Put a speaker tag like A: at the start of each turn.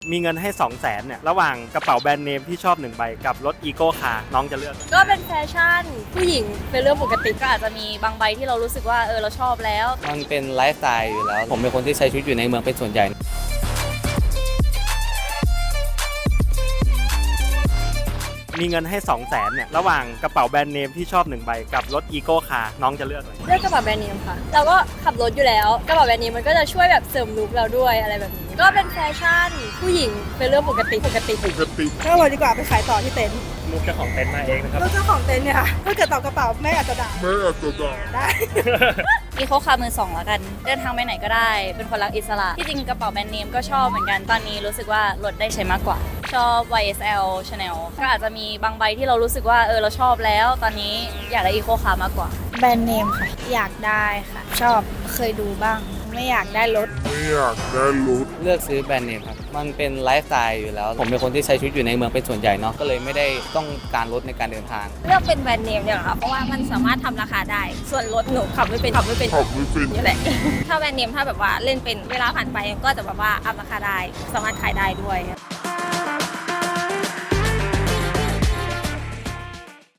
A: มีเงินให้ 200,000เนี่ยระหว่างกระเป๋าแบรนด์เนมที่ชอบ1ใบกับรถอีโก้คาร์น้องจะเลือก
B: ก็เป็นแฟชั่นผู้หญิงเป็นเรื่องปกติก็อาจจะมีบางใบที่เรารู้สึกว่าเราชอบแล้ว
C: มันเป็นไลฟ์สไตล์อยู่แล้วผมเป็นคนที่ใช้ชีวิตอยู่ในเมืองเป็นส่วนใหญ่
A: มีเงินให้ 200,000เนี่ยระหว่างกระเป๋าแบรนด์เนมที่ชอบ1ใบกับรถอีโก้คาร์น้องจะเลือกอะไร
B: เลือกกระเป๋าแบรนด์เนมค่ะเราก็ขับรถอยู่แล้วกระเป๋าแบรนด์เนมมันก็จะช่วยแบบเสริมลุคเราด้วยอะไรแบบนี้ก็เป็นแฟชั่นผู้หญิงเป็นเรื่องปกติ
D: เช่าเลยดีกว่าไปขายต่อที่เต็นท์
A: ลูกเจ้าของเต็นท์มาเองนะครับ
D: แล้วเจ้าของเต็นท์เนี่ยค่ะถ้าเกิดตอบกระเป๋าแม่อาจจะด่าได้
B: อีโคคาร์มือ 2แล้วกันเดินทางไปไหนก็ได้เป็นคนรักอิสระที่จริงกระเป๋าแบรนด์เนมก็ชอบเหมือนกันตอนนี้รู้สึกว่ารถได้ใช้มากกว่าชอบ YSL Chanel ก็อาจจะมีบางใบที่เรารู้สึกว่าเราชอบแล้วตอนนี้อยากได้อีโคคาร์มากกว่า
E: แบรนด์เนมค่ะอยากได้ค่ะชอบเคยดูบ้างไม่อยากได้รถ
C: เลือกซื้อแบรนด์เนมครับมันเป็นไลฟ์สไตล์อยู่แล้วผมเป็นคนที่ใช้ชีวิตอยู่ในเมืองเป็นส่วนใหญ่เนาะก็เลยไม่ได้ต้องการรถในการเดินทาง
E: เลือกเป็นแบรนด์เนมเนี่ยค่ะเพราะว่ามันสามารถทำราคาได้ส่วนรถหนูขับไม่เป็นนี่แหละถ้าแบรนด์เนมถ้าแบบว่าเล่นเป็นเวลาผ่านไปก็จะแบบว่าอัพราคาได้สามารถขายได้ด้วย